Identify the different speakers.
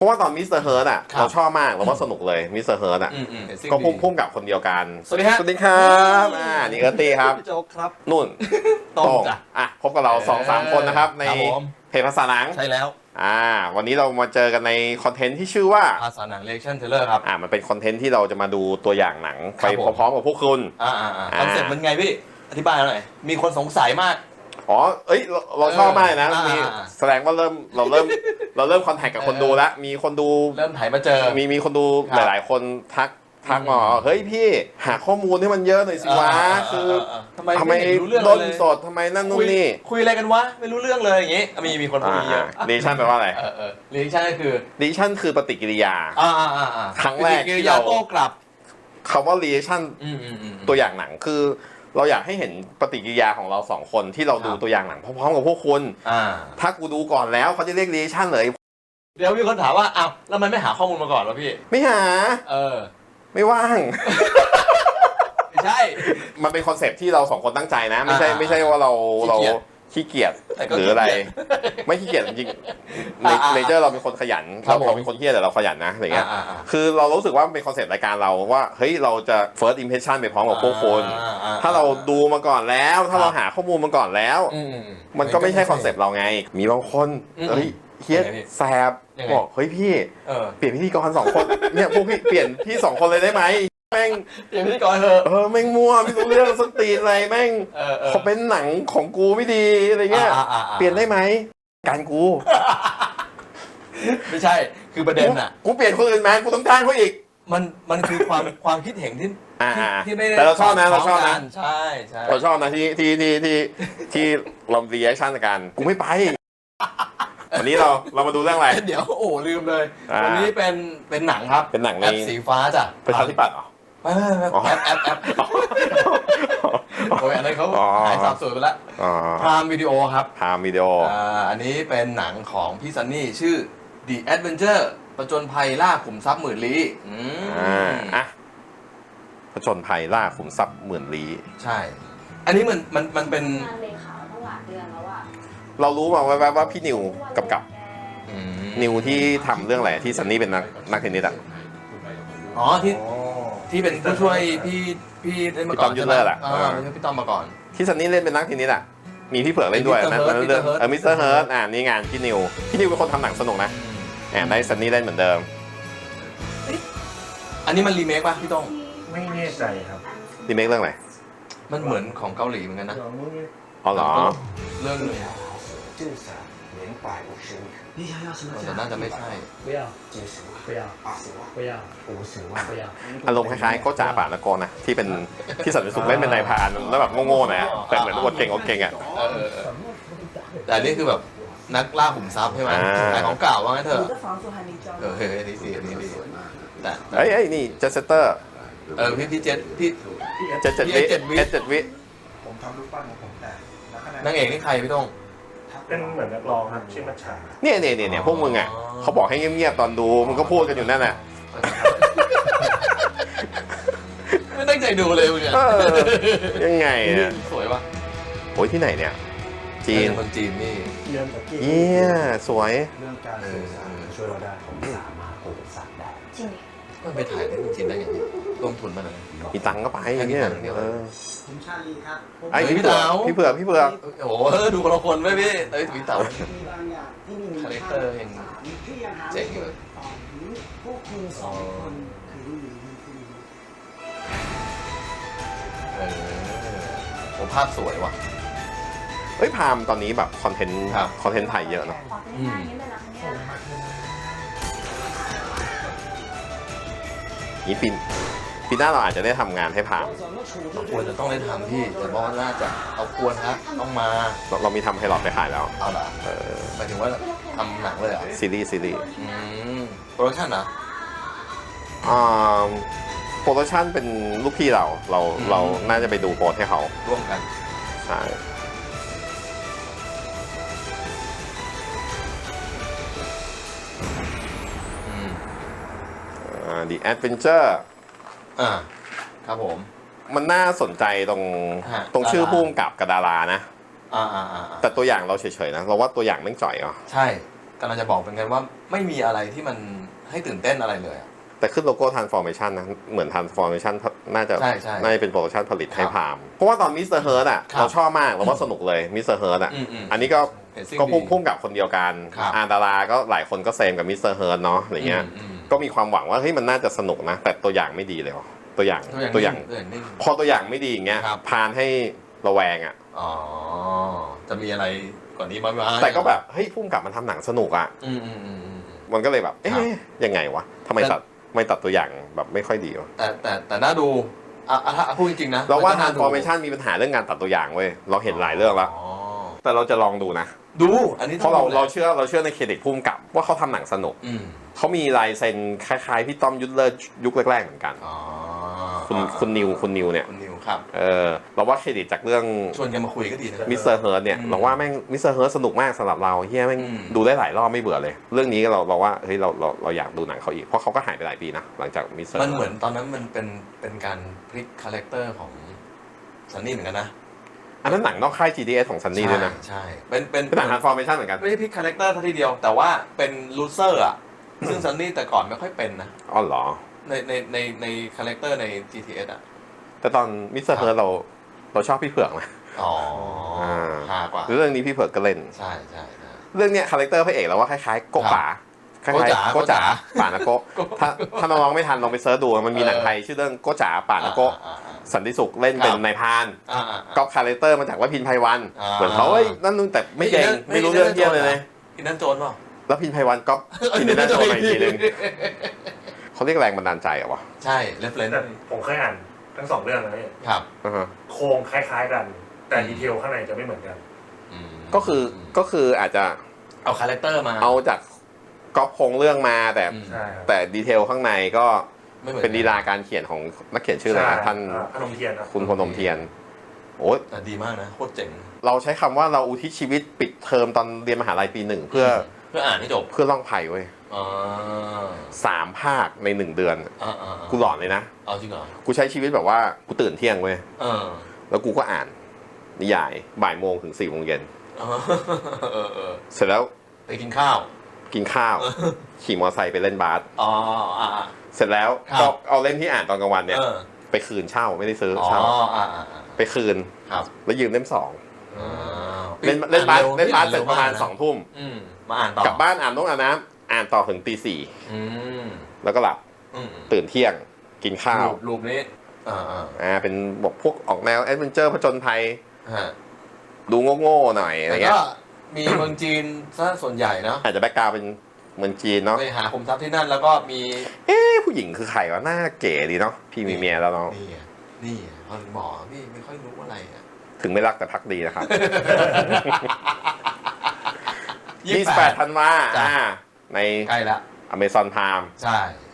Speaker 1: ราะว่าตอนมิสเตอร์เฮิร์ตอ่ะเราชอบมากเราว่าสนุกเลยมิสเตอร์เฮิร์ตอ่ะก็พุ่งกับคนเดียวกัน
Speaker 2: สวัสดีครับ
Speaker 1: สวัสดีครับนี่เอิร์ตี้ครับ
Speaker 2: พี่โจ๊กครับ
Speaker 1: นุ่น
Speaker 2: ตรงจ้ะ
Speaker 1: พบกับเรา2-3 คนนะครับในเพจภาษาหนัง
Speaker 2: ใช่แล้ว
Speaker 1: วันนี้เรามาเจอกันในคอนเทนต์ที่ชื่อว่า
Speaker 2: ภาษาหนังเรีแอคชั่นเทเลอร์ครับ
Speaker 1: มันเป็นคอนเทนต์ที่เราจะมาดูตัวอย่างหนังไปพร้อมๆกับพวกคุณ
Speaker 2: คอนเซ็ปต์มันไงพี่อธิบายหน่อยมีคนสงสัยมาก
Speaker 1: เราชอบมากนะมีแสดงว่าเราเริ่มคอนแทคกับคนดูแล้วมีคนดู
Speaker 2: เริ่มถ่ายมาเจอ
Speaker 1: มีคนดูหลายๆคนทักมาเฮ้ยพี่หาข้อมูลให้มันเยอะหน่อยสิวะคือทำไมต้นสดทำไมนั่นนู่นนี่
Speaker 2: คุยอะไรกันวะไม่รู้เรื่องเลยอย่างงี้มีคนพูดเยอะ
Speaker 1: รีชั่นแปลว่าอะไร
Speaker 2: รีชั่นก็คือ
Speaker 1: รีชั่นคือปฏิกิริยาครั้งแรก
Speaker 2: ที่เราโต้กลับ
Speaker 1: คำว่ารีชั่นตัวอย่างหนังคือเราอยากให้เห็นปฏิกิริยาของเรา2 คนที่เราดูตัวอย่างหนังพร้อมๆกับพวกคุณถ้ากูดูก่อนแล้วเขาจะเรียกรีชั่นเลย
Speaker 2: เดี๋ยวมีคนถามว่าอ้าวแล้วมันไม่หาข้อมูลมาก่อนวะพี่
Speaker 1: ไม่หาไม่ว่าง
Speaker 2: ไม่ใช่
Speaker 1: มันเป็นคอนเซปต์ที่เรา2 คนตั้งใจนะไม่ใช่ว่าเราขี้เกียจหรืออะไรไม่ขี้เกียจจริงๆเนเจอร์เราเป็นคนขยันเราเป็นคนขี้เกียจแต่เราขยันนะอะไรเงี้ยคือเรารู้สึกว่าเป็นคอนเซปต์รายการเราว่าเฮ้ยเราจะ first impression ไปพร้อมกับพวกคนถ้าเราดูมาก่อนแล้วถ้าเราหาข้อมูลมาก่อนแล้วมันก็ไม่ใช่คอนเซปต์เราไงมีบางคนเฮ้ยเฮียแสบบอกเฮ้ยพี่เปลี่ยนพิธีกร2 คนเนี่ยพวกพี่เปลี่ยนพี่2 คนเลยได้ไหมแม่ง
Speaker 2: เปลี่ยนพิธีกรเถอะ
Speaker 1: แม่งมั่วไม่รู้เรื่องสตีนอะไรแม่งเขาเป็นหนังของกูไม่ดีอะไรเงี้ยเปลี่ยนได้ไหมการกู
Speaker 2: ไม่ใช่คือประเด็นอ่ะ
Speaker 1: กูเปลี่ยนคนอื่นมากูต้องจ้างเขาอีก
Speaker 2: มันคือความคิดเห็นที่ไม่ได้
Speaker 1: แต่เราชอบนะ
Speaker 2: ใช่
Speaker 1: เราชอบนะที่เรารีแอคชั่นกันกูไม่ไปวันนี้เรามาดูเรื่องอะไร
Speaker 2: เดี๋ยวลืมเลยวันนี้เป็นหนังครับ
Speaker 1: เป็นหนังใน
Speaker 2: สีฟ้าจ้ะ
Speaker 1: ประชาธิปัตย์เหรอ
Speaker 2: แอปโอ้ยอันนั้นเขาหายสับสนไปแล้วพรามวิดีโอครับ
Speaker 1: พรามวิดีโอ
Speaker 2: อันนี้เป็นหนังของพี่ซันนี่ชื่อ The Adventure ผจญภัยล่าขุมทรัพย์หมื่นลี้
Speaker 1: ผจญภัยล่าขุมทรัพย์หมื่นลี้
Speaker 2: ใช่อันนี้มันเป็น
Speaker 1: เรารู้มาว่าพี่นิวกับนิวที่ทำเรื่องอะไรที่ซันนี่เป็นนักเทนนิส
Speaker 2: ที่เป็นผู้ช่วยพี่เล่นมาก่อน
Speaker 1: พี่ต้อมยูเลอร์แหละ
Speaker 2: พี่ต้อมมาก่อน
Speaker 1: ที่ซันนี่เล่นเป็นนักเทนนิสมีพี่เผือกเล่นด้วยนะเรื่องมิสเตอร์เฮิร์ตนี่งานพี่นิวเป็นคนทำหนังสนุกนะได้ซันนี่เล่นเหมือนเดิม
Speaker 2: อันนี้มันรีเมคป่ะพี่ต้อง
Speaker 3: ไม่แน่ใจครับ
Speaker 1: รีเมคเรื่องอะไร
Speaker 2: มันเหมือนของเกาหลีเหมือนกันนะ
Speaker 1: เหรอ
Speaker 2: เรื่องนึงแต่น่าจะไม่ใช่
Speaker 1: อารมณ์คล้ายๆก็จ่าป่าละกรนะที่เป็นที่สันติสุขเล่นเป็นนายพรานแล้วแบบโง่ๆหน่อยแต่เหมือนอวดเก่ง
Speaker 2: แต่นี่คือแบบนักล่าขุมทรัพย์ใช่ไหมขายของเก่าว่างั้นเถอะนี่ดี
Speaker 1: แต่นี่เจสเตอร์
Speaker 2: พี่เจ็ด
Speaker 1: วิ
Speaker 3: ผมทำรูปปั้นของผมแต่
Speaker 2: นางเอกนี่ใครพี่ต้อง
Speaker 3: เป็นเหมือนนักร้องครับชื่อมัชชา
Speaker 1: เนี่ยพวกมึงเขาบอกให้เงียบๆตอนดูมึงก็พูดกันอยู่นั่นแหละ
Speaker 2: ไม่ตั้งใจดูเลยมึงเนี่ย
Speaker 1: ยังไง
Speaker 2: สวยปะ
Speaker 1: โอ้ยที่ไหนเนี่ยจีน
Speaker 2: คนจีนนี่
Speaker 1: เยี่ยสวย
Speaker 3: เรื่องการสื่อสารช่วยเราได้ผมสามารถปลูกสัตว์ได้
Speaker 2: จริงมันไปถ่ายที่จีนได้ยังไงลงทุนมาหน่อย
Speaker 1: มีตังก็ไปอย่างเงี้ย
Speaker 3: ผมชาลีครับ
Speaker 1: ไอ้พี่เผือก
Speaker 2: โอ้ดูคนละคนไหมพี่พี่เต๋าคาแรคเตอร์ยังเจ๋งอยู่ผมภาพสวยว่ะ
Speaker 1: พามตอนนี้แบบคอนเทนต์ไทยเยอะเนาะนี่ปีหน้าเราอาจจะได้ทำงานให้พาม
Speaker 2: ควรจะต้องได้ทำพี่แต่ว่าน่าจะเอาควรครับต้องมา
Speaker 1: เรามีทำไพลอตไปขายแล้ว
Speaker 2: เอาล่ะหมายถึงว่าทำหนังเลยเหรอ
Speaker 1: ซีรีส์
Speaker 2: โปรดักชั่นนะ
Speaker 1: โปรดักชั่นเป็นลูกพี่เราน่าจะไปดูโปรให้เขา
Speaker 2: ร่วมกัน
Speaker 1: ใช่ The Adventure
Speaker 2: ครับผม
Speaker 1: มันน่าสนใจตรงชื่อพุ่มกับดารานะแต่ตัวอย่างเราเฉยๆนะเราว่าตัวอย่างแม่งจ่อย
Speaker 2: ใช่กำลังจะบอกเป็นกันว่าไม่มีอะไรที่มันให้ตื่นเต้นอะไรเลย
Speaker 1: แต่ขึ้นโลโก้ Transformation นะเหมือน Transformation น่าจะ
Speaker 2: ใช่
Speaker 1: น่าจะเป็นโปรดักชั่นผลิตให้พามเพราะว่าตอนมิสเตอร์เฮิร์ตอ่ะเราชอบมากเราว่าสนุกเลยมิสเตอร์เฮิร์ตอ่ะอันนี้ก็พุ่งกับคนเดียวกันดาราก็หลายคนก็เซมกับมิสเตอร์เฮิร์ตเนาะอะไรเงี้ยก็มีความหวังว่าเฮ้ยมันน่าจะสนุกนะแต่ตัวอย่างไม่ดีเลยตัวอย่างพอตัวอย่างไม่ดีอย่างเงี้ยพานให้ระแวงอ่ะ
Speaker 2: อ๋อจะมีอะไรก่อนนี้มั้ย
Speaker 1: แต่ก็แบบเฮ้ยพุ่งกับมันทำหนังสนุกอ่ะมันก็เลยแบบเอ๊ะยังไงวะทำไมตัดตัวอย่างแบบไม่ค่อยดีวะ
Speaker 2: แต่น่าดูถ้าพูดจริงๆนะ
Speaker 1: เราว่า Transformation มีปัญหาเรื่องการตัดตัวอย่างเว้ยเราเห็นหลายเรื่องแล้วแต่เราจะลองดูนะ
Speaker 2: ดูอันนี้
Speaker 1: เพราะเราเชื่อในเครดิตพุ่มกับว่าเขาทำหนังสนุกเขามีลายเซ็นคล้ายๆพี่ต้อมยุทธเลิศยุคแรกๆเหมือนกันคุณนิวเนี่ย
Speaker 2: ครับ
Speaker 1: เราว่าเครดิตจากเรื่อง
Speaker 2: ชวนกันมาคุยก็ดีนะ
Speaker 1: มิสเตอร์เฮิร์ตเนี่ยเราว่าแม่งมิสเตอร์เฮิร์ตสนุกมากสำหรับเราเฮียแม่งดูได้หลายรอบไม่เบื่อเลยเรื่องนี้เราว่าเฮ้ยเราอยากดูหนังเขาอีกเพราะเขาก็หายไปหลายปีนะหลังจากมิสเตอร์
Speaker 2: มันเหมือนตอนนั้นมันเป็นการพลิกคาแรคเตอร์ของซันนี่เหมือนกันนะ
Speaker 1: อันนั้นหนังนอกค่าย GDS ของซันนี่ด้วยนะ
Speaker 2: ใช่เป็น
Speaker 1: หนัง Transformation เหมือนกัน
Speaker 2: ไม่ใช่พลิกคาแรคเตอร์ทีเดียวแต่ว่าเป็นลูเซอร์อ่ะซึ่งซันนี่แต่ก่อนไม่ค่อยเป็นนะ
Speaker 1: อ๋อเหรอ
Speaker 2: ในคาแรคเตอร์ใน GTS อ่ะ
Speaker 1: แต่ตอนมิสเตอร์เฮิร์ตเราชอบพี่เผือกนะ
Speaker 2: ฮากว่า
Speaker 1: เรื่องนี้พี่เผือกก็เล่น
Speaker 2: ใช่
Speaker 1: เรื่องเนี้ยคาแรคเตอร์พระเอกเราว่าคล้ายๆโกป๋าคล้ายๆโกจ๋าป่านะโกถ้าน้องๆไม่ทันลองไปเซิร์ชดูมันมีหนังไทยชื่อเรื่องโกจ๋าป่านะโกสันติสุขเล่นเป็นนายพรานก็คาแรคเตอร์มาจากว่าพินไพวันเหมือนเขาเฮ้ยนั่นนู่นแต่ไม่เก่งไม่รู้เรื่องเที่ยวเลย
Speaker 2: พินนั่นโจรเปล่า
Speaker 1: แล้วพินไพวันก็พินนั่นโจรมาอีกทีนึงเขาเรียกแรงบันดาลใจเหรอวะ
Speaker 2: ใช่เรฟเฟรนซ์
Speaker 3: ผมเคยอ่านทั้ง2เรื่องนะนี่
Speaker 2: ครับ
Speaker 3: โครงคล้ายๆกันแต่ดีเทลข้างในจะไม่เหมือนกัน
Speaker 1: ก็คืออาจจะ
Speaker 2: เอาคาแรคเตอร์มา
Speaker 1: เอาจากก๊อปโครงเรื่องมาแต่ดีเทลข้างในก็เป็นลีลาการเขียนของนักเขียนชื่ออะไรนะท่านคุณพนมเทียนโอ้
Speaker 2: แต่ดีมากนะโคตรเจ๋ง
Speaker 1: เราใช้คำว่าเราอุทิศชีวิตปิดเทอมตอนเรียนมหาลัยปี 1เพื่อ
Speaker 2: อ่านให้จบ
Speaker 1: เพื่อล่องไผ่เว้ย3 ภาคใน1 เดือนกูหลอนเลยนะ
Speaker 2: เอาจริงเหรอ
Speaker 1: กูใช้ชีวิตแบบว่ากูตื่นเที่ยงเว้ยแล้วกูก็อ่านนิยายบ่ายโมงถึง4 โมงเย็นเสร็จแล้ว
Speaker 2: ไปกินข้าว
Speaker 1: ขี่มอเตอร์ไซค์ไปเล่นบาสเสร็จแล้วก็เอาเล่มที่อ่านตอนกลางวันเนี่ยไปคืนเช่าไม่ได้ซื้อเช่าไปคืนแล้วยืมเล่ม2เล่นบาสเสร็จประมาณ2 ทุ่ม
Speaker 2: มาอ่านต่อก
Speaker 1: ลับบ้านอาบน้ำอ่านต่อถึงตี 4แล้วก็หลับตื่นเที่ยงกินข้าว
Speaker 2: รูปนี้
Speaker 1: เป็นบอกพวกออกแนวแอดเวนเจอร์ผจญภัยดูโง่ๆหน่อยอะไรเงี้ย
Speaker 2: มีเมืองจีนซะส่วนใหญ่เนาะ
Speaker 1: อาจจะแบ็คกราวด์เป็นเมืองจีนเนาะ
Speaker 2: ไปหาคุมทรัพย์ที่นั่นแล้วก็มี
Speaker 1: ผู้หญิงคือใครวะหน้าเก๋ดีเนาะพี่มีเมียแล้วเนาะ
Speaker 2: นี่พอหมอพี่ไม่ค่อยรู้อะไร
Speaker 1: ถึงไม่รักแต่พักดีนะครับ28 ธันวาใน
Speaker 2: ใกล้ละ
Speaker 1: Amazon Prime
Speaker 2: ใช่